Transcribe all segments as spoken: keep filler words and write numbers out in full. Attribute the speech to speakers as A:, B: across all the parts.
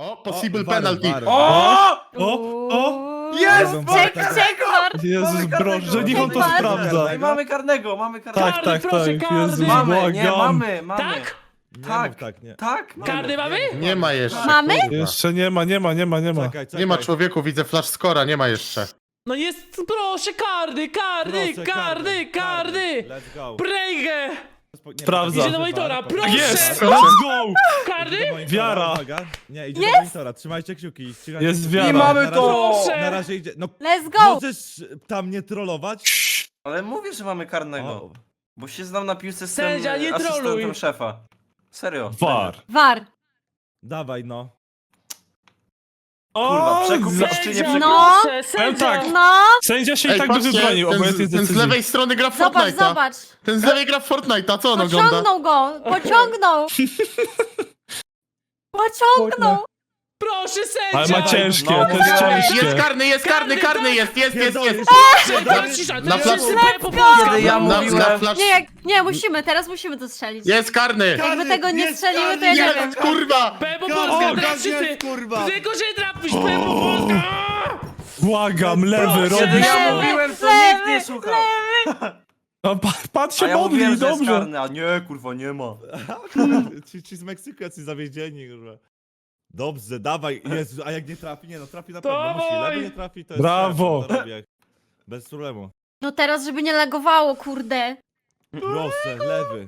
A: O, possible
B: O, war,
A: penalty.
B: war.
C: O!
D: O! O!
C: Jest!
B: Czek,
C: Mamy
D: Czek,
C: karnego!
D: czek, war!
E: Jezus,
C: Mamy
E: broż,
C: karnego.
E: że niech on to
D: Czek, war.
E: sprawdza.
C: I mamy karnego, mamy karnego.
E: Tak,
F: Karny,
E: tak,
F: proszę,
E: tak.
F: karny.
E: Jezus,
C: Mamy, nie,
E: błagam.
C: mamy, mamy.
F: Tak?
B: Nie
C: Tak.
B: mów tak, nie.
C: Tak, mamy.
F: Karny mamy?
A: Nie ma jeszcze.
D: Mamy?
A: kurwa.
E: Jeszcze nie ma, nie ma, nie ma, nie ma.
B: Czekaj, czekaj.
A: Nie ma człowieku, widzę flash scora, nie ma jeszcze.
F: No jest, proszę, karny, karny,
B: Proszę,
F: karny, karny!
B: Let's go.
F: Prejgę!
B: Nie,
E: Sprawdza.
B: poczekaj,
F: Idzie do monitora,
B: poczekaj.
F: proszę!
E: Jest! Let's go!
F: Karny?
B: Idzie do monitora,
E: Wiara.
B: uwaga. Nie, idzie do monitora, trzymajcie kciuki. trzymajcie
E: Jest
B: kciuki.
E: wiara.
C: I mamy
B: Na
C: to!
B: razie-
F: Proszę.
B: Na razie idzie, no
D: Let's go!
B: możesz tam nie trollować?
C: Ale mówię, że mamy karnego.
B: O,
C: Bo się znam na piłce z
F: Sędzia,
C: tym
F: nie
C: asystentem
F: troluj.
C: szefa. Serio.
E: War.
D: War!
B: dawaj no.
C: Kurwa, przekupić
E: za-
C: czy nie
F: Sędzia,
C: przekupić?
D: No.
F: proszę, sędzia!
E: tak.
D: No!
E: Sędzia się i tak by
A: patrzcie,
E: wybronił, obojętnie
A: ten,
E: z
A: ten z
E: decyzji.
A: lewej strony gra w
D: Zobacz,
A: Fortnite'a.
D: zobacz!
A: Ten z lewej gra w Fortnite'a, co on ogląda?
D: Pociągnął go! Pociągnął! Pociągnął!
F: Proszę, sędzia!
E: Ale ma ciężkie,
C: No,
E: to jest
C: no,
A: Jest
E: ciężkie.
A: karny, jest karny,
F: Karny,
A: karny
F: tak.
A: jest, jest, jest,
B: Pierdolisz.
A: jest.
F: Proszę, cisza,
A: Na
F: to
A: placu-
F: jest sypie po
D: Let's
F: polsku.
C: Kiedy ja
A: Na, na
C: mówiłem...
A: flash...
D: Nie, jak, nie, musimy, teraz musimy to strzelić.
A: Jest karny!
D: Jakby tego nie
B: jest
D: strzeliły, to
B: karny,
D: ja nie
A: Jest,
D: wiem.
A: kurwa!
F: P po
B: O,
F: polsku,
B: tak
F: teraz
B: jest,
F: wszyscy!
B: kurwa.
F: Tylko, że trafisz, P po polsku!
E: Błagam, lewy,
F: Proszę,
C: Kiedy
E: robisz
C: ja
E: to.
C: mówiłem, to
D: lewy,
C: nikt nie słuchał.
E: A pa- patrz
C: A
E: się
C: ja mówiłem,
E: modli,
C: że jest
E: dobrze.
C: karny, a nie, kurwa, nie ma.
B: Ci, ci z Meksyku jacyś zawiedzieni, kurwa. Dobrze, dawaj. Jezu, a jak nie trafi? Nie no, trafi na pewno. Musi.
F: Dawaj.
B: Lewy nie trafi, to jest
E: Brawo.
B: szef, to robię. Bez problemu.
D: No teraz, żeby nie lagowało, kurde.
B: Proszę, lewy.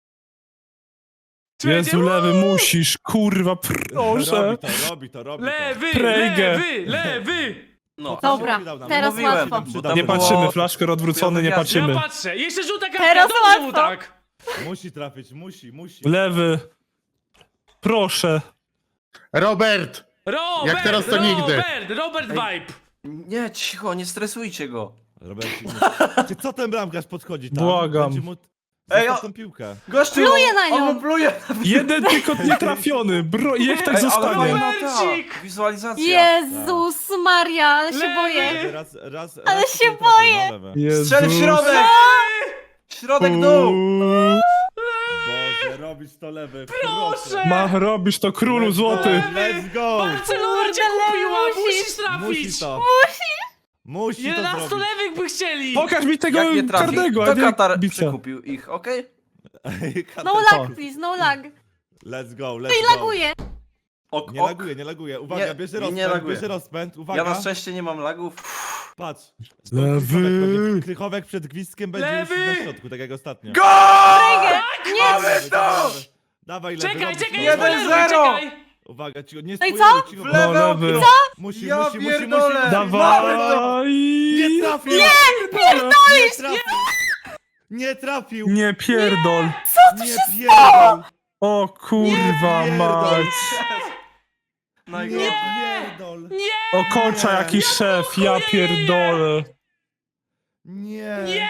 E: Jezu, lewy, musisz, kurwa,
B: Robi
E: proszę.
B: to, robi to, robi
F: Lewy,
E: Prejgę.
F: lewy, lewy!
C: No.
D: Dobra,
B: przydał nam.
D: teraz
C: Mówiłem,
D: łatwo.
C: bo
B: Przydał
C: to
B: nam.
E: Nie
C: było-
E: patrzymy, flaszker odwrócony, nie
C: Ja
E: patrzymy.
F: Ja patrzę, jeszcze żółta kartka,
D: Teraz
F: dobrze mu
D: łatwo.
F: tak!
B: Musi trafić, musi, musi.
E: Lewy. Proszę.
A: Robert!
F: Robert,
A: Jak teraz to nigdy.
F: Robert, Robert vibe!
C: Nie, cicho, nie stresujcie go.
B: Robert, czy co ten bramkarz podchodzi tam?
E: Błagam.
B: Będzie mu...
C: Ej,
B: Zostaw
C: o-
B: tą piłkę.
C: Gościu!
D: Pluje na nią.
C: On pluje!
E: Jeden tylko nietrafiony, bro, niech tak
C: Ej, ale
E: zostanie.
C: fajna ta
F: Robercik!
C: wizualizacja.
D: Jezus Maria, ale się
F: Lewy.
D: boję.
B: Raz, raz,
D: Ale
B: raz
D: się
B: tylko trafi,
D: boję.
B: No, lewy.
E: Jezu.
C: Strzel w środek! Środek dół!
E: Uuu.
B: Boże, robić to lewy.
F: Proszę!
E: Ma, robisz to królu złoty.
B: Let's go!
F: Barcelona cię
D: Kurde,
F: kupiła,
D: musisz.
F: musisz trafić!
B: Musi to. Musi to
F: jedenastu
B: zrobić.
F: lewych by chcieli!
E: Pokaż mi tego
C: Jak nie trafi,
E: karnego, a
C: to
E: nie
C: Katar
E: bicia.
C: przekupił ich, okej?
D: No lag, please, no lag.
B: Let's go, let's
D: I
B: go.
D: laguje.
C: Ok,
B: Nie
C: ok.
B: laguje, nie laguje. Uwaga,
C: Nie,
B: bierze
C: nie
B: rozpęd,
C: laguje.
B: bierze rozpęd.
C: Ja
B: Uwaga,
C: na szczęście nie mam lagów.
B: patrz.
E: Lewy.
B: Krychowek, pewnie- Krychowek przed gwizdkiem będzie już
F: Lewy.
B: na środku, tak jak ostatnio.
C: Go!
D: Nie!
B: Dawaj, dawaj, dawaj, lewy,
F: Czekaj,
B: robisz
F: czekaj,
B: to.
F: nie
C: Jeden
F: spoileruj,
C: zero.
F: czekaj!
B: Uwaga, cicho, nie
D: No i
B: spoileruj,
D: co?
B: cicho.
C: W lewe
E: No, lewy.
C: okno!
B: Musi,
C: Ja
B: musi, musi, musi.
C: pierdolę.
B: musi.
E: Dawaj!
B: Nie trafił! Nie!
D: Pierdolisz!
B: Nie trafił! Nie trafił!
E: Nie pierdol.
B: Co tu się stało?
E: O kurwa
B: Nie
E: mać.
B: Nie
C: Najgorzej.
B: pierdol!
F: Nie!
E: Okocza jakiś szef, ja pierdolę.
B: Nie!
F: Nie!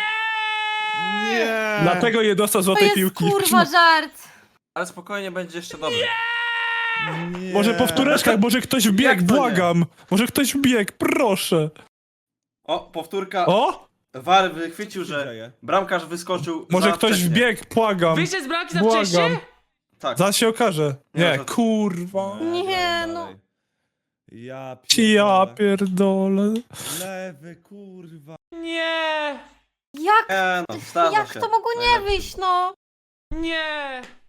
B: Nie!
E: Dlatego nie dostał
D: To
E: złotej
D: jest
E: piłki.
D: kurwa żart.
C: Ale spokojnie, będzie jeszcze dobrze.
B: Nie.
E: Może po wtóreczkach, może ktoś
C: Jak
E: wbiegł,
C: to nie?
E: błagam. Może ktoś wbiegł, proszę.
C: O, powtórka.
E: O!
C: War wychwycił,
B: Co się
C: że
B: dzieje?
C: bramkarz wyskoczył
E: Może
C: za
E: ktoś
C: wcześnie.
E: wbiegł, błagam.
F: Wyjście z bramki za
E: Błagam.
F: wcześnie?
C: Tak.
E: Zaraz się okaże.
C: Nie,
E: Nie,
C: to-
E: kurwa.
D: Nie,
B: grałem
D: no.
B: dalej. Ja
E: Ja
B: pierdolę.
E: pierdolę.
B: Lewy, kurwa.
F: Nie!
D: Jak,
C: Nie no, zdarza
D: jak
C: się.
D: to mogło nie wyjść, no?
F: Nie!